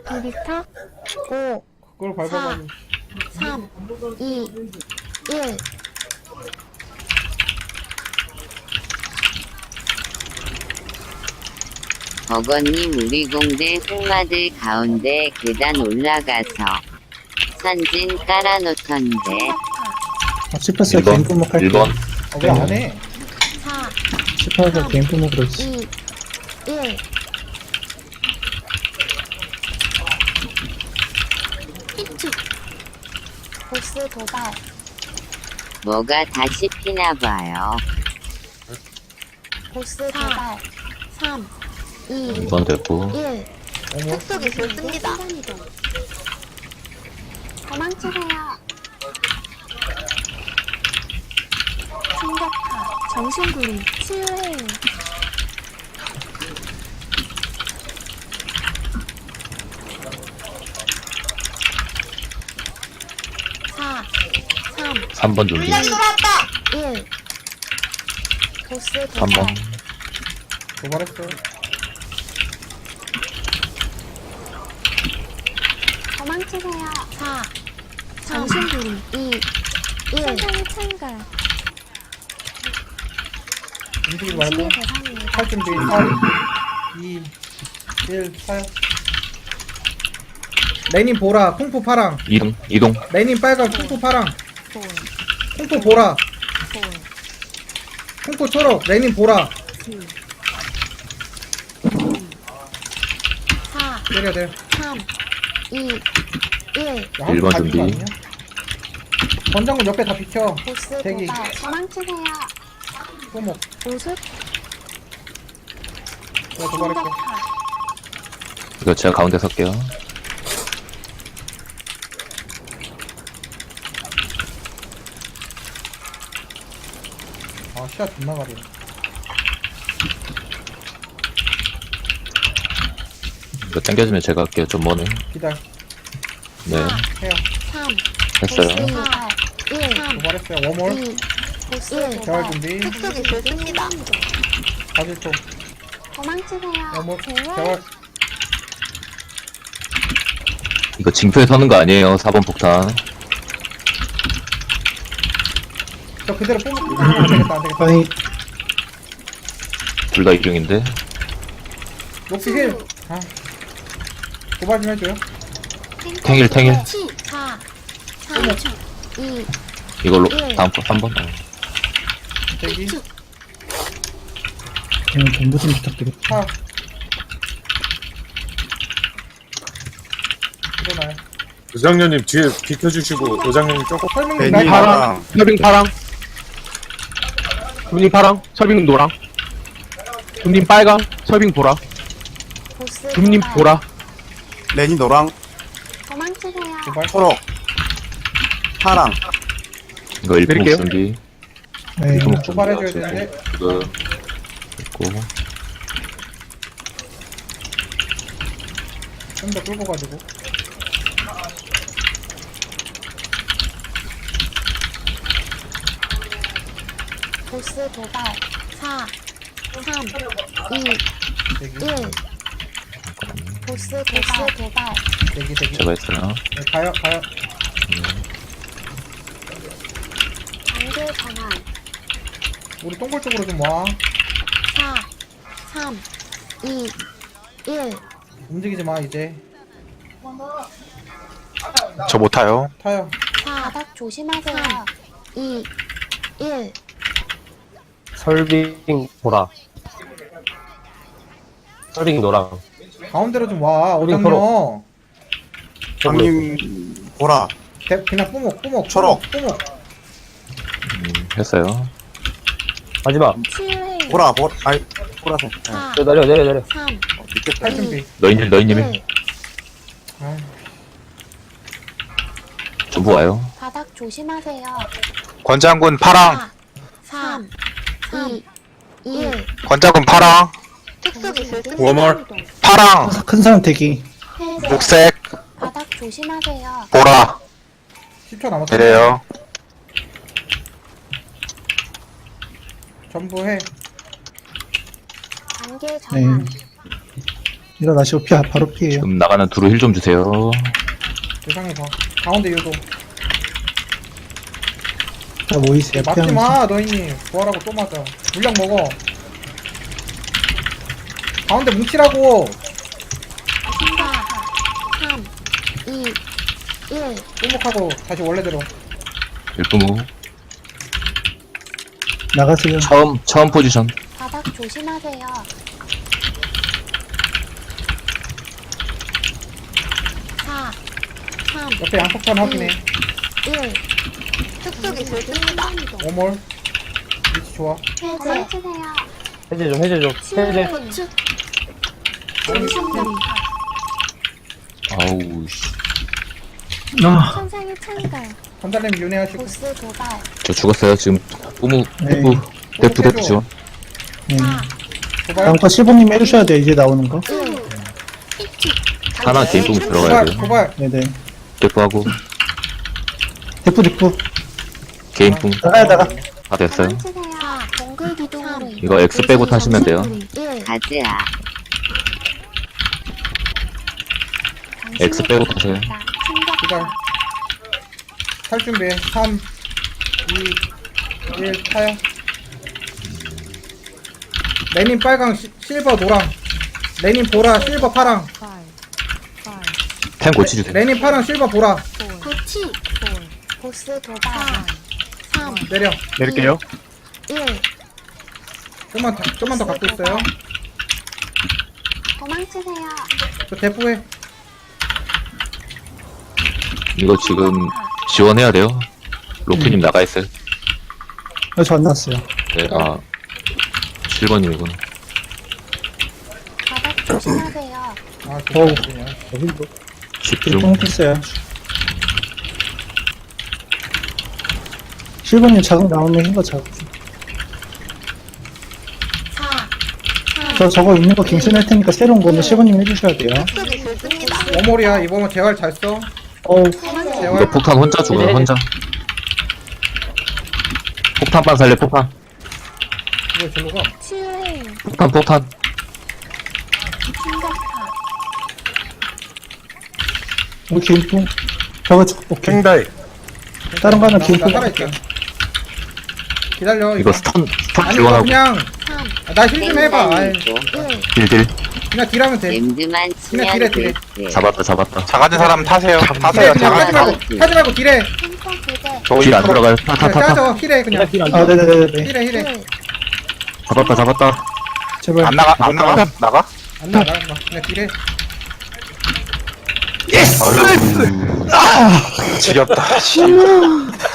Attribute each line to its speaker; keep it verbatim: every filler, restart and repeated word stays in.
Speaker 1: 이비타 오,
Speaker 2: 그걸 밟아가지고.
Speaker 1: 삼, 이, 일.
Speaker 3: 버거님 우리 공대 흑마들 가운데 계단 올라가서 선진 깔아놓던데
Speaker 4: 아, 씹혔어요.
Speaker 5: 일 번,
Speaker 4: 개인 품목 할게.
Speaker 5: 일 번.
Speaker 2: 어, 왜 안 해?
Speaker 1: 사,
Speaker 4: 씹혀서 개인 품목으로 했어.
Speaker 1: 이, 일. 히트. 보스 도발.
Speaker 3: 뭐가 다시 피나봐요.
Speaker 1: 보스 도발. 삼, 이,
Speaker 5: 이 번 됐고.
Speaker 1: 일.
Speaker 2: 어머.
Speaker 1: 특속이 좋습니다. 도망치세요. 충격파. 정신구리. 치유해요. 사, 삼,
Speaker 5: 삼 번 준비.
Speaker 1: 일. 보스 도발.
Speaker 5: 삼 번.
Speaker 2: 도발했어요.
Speaker 1: 도망치세요. 사, 정신구리. 이, 일. 세상의 창가.
Speaker 2: 움직이지 말고.
Speaker 1: 신의 대상입니다.
Speaker 2: 할 준비. 삼, 이, 일, 사요. 레닌 보라, 쿵푸 파랑.
Speaker 5: 이동, 이동.
Speaker 2: 레닌 빨강, 쿵푸 파랑.
Speaker 1: 볼,
Speaker 2: 쿵푸 보라,
Speaker 1: 볼,
Speaker 2: 쿵푸 초록, 레닌 보라.
Speaker 1: 칠, 사,
Speaker 2: 때려, 때려.
Speaker 1: 삼, 이, 일.
Speaker 2: 야,
Speaker 5: 일 번
Speaker 2: 다 비kin 거
Speaker 5: 준비.
Speaker 2: 아니냐? 권장군 옆에 다 비켜.
Speaker 1: 보스
Speaker 2: 대기.
Speaker 1: 도발. 도망치세요.
Speaker 2: 소목.
Speaker 1: 보습.
Speaker 2: 내가 도발했어.
Speaker 1: 충격파.
Speaker 5: 이거 제가 가운데 설게요.
Speaker 2: 아, 시야 존나 가려.
Speaker 5: 이거 당겨주면 제가 할게요. 좀 머네.
Speaker 2: 기다려.
Speaker 5: 네,
Speaker 2: 해요.
Speaker 1: 삼,
Speaker 5: 했어요.
Speaker 1: 보스 도발. 일, 삼,
Speaker 2: 도발했어요. 워몰.
Speaker 1: 이. 보스
Speaker 2: 재활
Speaker 1: 도발.
Speaker 2: 준비.
Speaker 1: 특속이 좋습니다.
Speaker 2: 사실 초.
Speaker 1: 도망치세요.
Speaker 2: 워몰.
Speaker 1: 재활.
Speaker 2: 재활.
Speaker 5: 이거 징표에 서는 거 아니에요. 사 번 폭탄.
Speaker 2: 저 그대로 뿜. 안 되겠다, 안 되겠다.
Speaker 4: 아니,
Speaker 5: 둘 다 이중인데.
Speaker 2: 녹시 힐. 아. 도발 좀 해줘요.
Speaker 5: 탱일, 탱일.
Speaker 1: 사, 삼, 이,
Speaker 5: 이걸로
Speaker 1: 일.
Speaker 5: 다음 거 삼 번. 어.
Speaker 2: 대기.
Speaker 4: 그냥 전부 좀 부탁드릴게요.
Speaker 2: 파. 일어나요.
Speaker 6: 부장님 뒤에 비켜주시고 도장님 조금
Speaker 2: 설명
Speaker 6: 괜히
Speaker 2: 날
Speaker 6: 파랑
Speaker 7: 설빙 파랑, 군인 파랑, 설빙 노랑, 군인 빨강, 설빙 보라,
Speaker 1: 보스
Speaker 7: 군인
Speaker 1: 도발.
Speaker 7: 보라,
Speaker 6: 레니 노랑
Speaker 1: 도망치세요.
Speaker 2: 도발.
Speaker 6: 초록 파랑
Speaker 5: 이거 일 분
Speaker 7: 드릴게요.
Speaker 5: 준비.
Speaker 4: 네.
Speaker 5: 일 분
Speaker 2: 도발해줘야 되는데.
Speaker 5: 이거 됐고.
Speaker 2: 좀 더 끌고 가지고.
Speaker 1: 보스 도발. 사, 삼, 이,
Speaker 2: 대기.
Speaker 1: 일. 보스 도발. 도발.
Speaker 2: 대기, 대기.
Speaker 5: 제가 했어요.
Speaker 2: 네, 가요, 가요.
Speaker 1: 단계 전환.
Speaker 2: 우리 동굴 쪽으로 좀 와.
Speaker 1: 사, 삼, 이, 일.
Speaker 2: 움직이지 마, 이제.
Speaker 6: 저 못 타요.
Speaker 2: 타요.
Speaker 1: 사, 바닥 조심하세요. 삼, 이, 일.
Speaker 7: 설빙 보라, 설빙 노랑,
Speaker 2: 가운데로 좀 와,
Speaker 7: 우리
Speaker 2: 어장녀.
Speaker 6: 형님 보라
Speaker 2: 대, 그냥 뿌목, 뿌목.
Speaker 6: 초록.
Speaker 2: 뿌목.
Speaker 5: 음, 했어요.
Speaker 7: 마지막,
Speaker 1: 치유해요.
Speaker 6: 보라 보 아이 보라색
Speaker 1: 사,
Speaker 7: 내려, 내려, 내려.
Speaker 1: 삼,
Speaker 2: 할 준비.
Speaker 5: 너희님, 너희님이
Speaker 1: 일.
Speaker 2: 아,
Speaker 5: 전부 와요.
Speaker 1: 바닥 조심하세요.
Speaker 6: 권장군 파랑
Speaker 1: 사, 삼, 이, 일.
Speaker 6: 권장군 파랑
Speaker 1: 특속이 좋습니다.
Speaker 6: 워멀. 파랑
Speaker 4: 큰 사람 대기.
Speaker 1: 회색.
Speaker 6: 녹색
Speaker 1: 바닥 조심하세요.
Speaker 6: 보라
Speaker 2: 십 초 남았다.
Speaker 6: 내려요.
Speaker 2: 전부 해.
Speaker 1: 단계 전환.
Speaker 4: 일어나시고 피, 바로 피해요.
Speaker 5: 지금 나가는 두루 힐 좀 주세요.
Speaker 2: 세상에 봐. 가운데 유도.
Speaker 4: 다 모이세요.
Speaker 2: 맞지
Speaker 4: 피하면서.
Speaker 2: 마, 너희님. 부활하고 또 맞아. 물량 먹어. 가운데 뭉치라고.
Speaker 1: 사, 삼, 이, 일.
Speaker 2: 똥목하고 다시 원래대로.
Speaker 5: 일부무.
Speaker 4: 나가세요.
Speaker 5: 처음, 처음 포지션.
Speaker 1: 바닥 조심하세요. 사, 삼,
Speaker 2: 옆에 양폭탄 확인해.
Speaker 1: 일. 툭툭이 들립니다.
Speaker 2: 오몰. 위치 좋아.
Speaker 1: 해제.
Speaker 7: 해제 좀, 해제 좀. 해제.
Speaker 1: 고추.
Speaker 5: 아우, 씨.
Speaker 4: 아,
Speaker 1: 천상의 창갈.
Speaker 2: 건달님 윤회하시고.
Speaker 1: 보스 도발.
Speaker 5: 저 죽었어요. 지금, 뿌무,
Speaker 4: 네.
Speaker 5: 뿌무. 대프, 대프 지원.
Speaker 4: 네.
Speaker 1: 사,
Speaker 2: 도발.
Speaker 4: 다음 거 실버님 해주셔야 돼요. 이제 나오는 거.
Speaker 1: 일.
Speaker 5: 하나 개인 뿌무 들어가야
Speaker 2: 도발.
Speaker 5: 돼요.
Speaker 2: 도발.
Speaker 4: 네네.
Speaker 5: 대프하고,
Speaker 4: 대프 대프.
Speaker 5: 개인 뿌무.
Speaker 4: 나가야 나가.
Speaker 5: 다 됐어요.
Speaker 1: 도망치세요. 사, 동글 기둥으로.
Speaker 5: 이거 X 빼고 타시면 돼요.
Speaker 1: 일.
Speaker 3: 가즈아.
Speaker 5: X 빼고 타세요.
Speaker 2: 도발. 탈 준비해. 삼, 이, 일, 타요. 레닌 빨강, 시, 실버 노랑. 레닌 보라, 실버 파랑.
Speaker 5: 템 고치주세요.
Speaker 2: 레닌 파랑, 실버 보라.
Speaker 1: 고치. 보스 도발. 삼,
Speaker 2: 내려.
Speaker 7: 내릴게요.
Speaker 1: 일.
Speaker 2: 좀만 더, 좀만 더 갖고 있어요.
Speaker 1: 도망치세요.
Speaker 2: 저 대포해.
Speaker 5: 이거 지금 지원해야 돼요. 로프님 나가 있어요.
Speaker 4: 아, 저안 났어요.
Speaker 5: 네, 아, 칠번님이구나.
Speaker 1: 바닥 조심하세요.
Speaker 2: 아,
Speaker 4: 어우.
Speaker 2: 좋다.
Speaker 5: 집중.
Speaker 4: 똥 뺐어요. 실버님 자극 나오면 흰거 자극.
Speaker 1: 사, 삼.
Speaker 4: 저 저거 있는 거 갱신할 테니까 새로운 거는 실버님 해주셔야 돼요.
Speaker 1: 툭툭이 들립니다.
Speaker 2: 오몰이야. 이번엔 재활 잘 써.
Speaker 4: 어우,
Speaker 2: 재활.
Speaker 5: 이거 폭탄 혼자 죽어요, 혼자. 폭탄 살려, 폭탄.
Speaker 2: 이거 절로 가.
Speaker 1: 치유해.
Speaker 5: 폭탄, 폭탄.
Speaker 1: 충격파.
Speaker 4: 우리 개인풍. 저거 저- 오케이.
Speaker 6: 킹다이.
Speaker 4: 다른 거 하나
Speaker 2: 나,
Speaker 4: 개인풍.
Speaker 2: 나 살아있다. 기다려.
Speaker 5: 이거 스턴, 스턴
Speaker 2: 아니, 이거
Speaker 5: 지원하고.
Speaker 2: 그냥,
Speaker 1: 삼,
Speaker 2: 나 힐 좀 해봐. 아이,
Speaker 3: 땡땡이고.
Speaker 1: 일.
Speaker 5: 딜딜.
Speaker 2: 그냥 딜하면 돼.
Speaker 3: 램드만
Speaker 2: 그냥
Speaker 3: 치면
Speaker 2: 딜해, 딜해.
Speaker 3: 됐어.
Speaker 5: 잡았다, 잡았다.
Speaker 6: 작아진 사람 타세요.
Speaker 2: 딜해,
Speaker 6: 타세요.
Speaker 2: 그냥 하지
Speaker 6: 작아진 사람.
Speaker 2: 말고, 하지 말고 딜해.
Speaker 1: 템포 부대.
Speaker 6: 저
Speaker 5: 딜 안
Speaker 6: 이프로
Speaker 5: 들어가요. 타, 타,
Speaker 2: 그냥
Speaker 5: 타, 타.
Speaker 2: 짜서 힐해, 그냥.
Speaker 4: 아, 네네네네.
Speaker 2: 힐해, 힐해.
Speaker 1: 일.
Speaker 5: 잡았다, 잡았다.
Speaker 4: 제발.
Speaker 6: 안 나가, 안 나가? 나가?
Speaker 2: 안 나가, 안 나가. 그냥 딜해.
Speaker 6: 지겹다.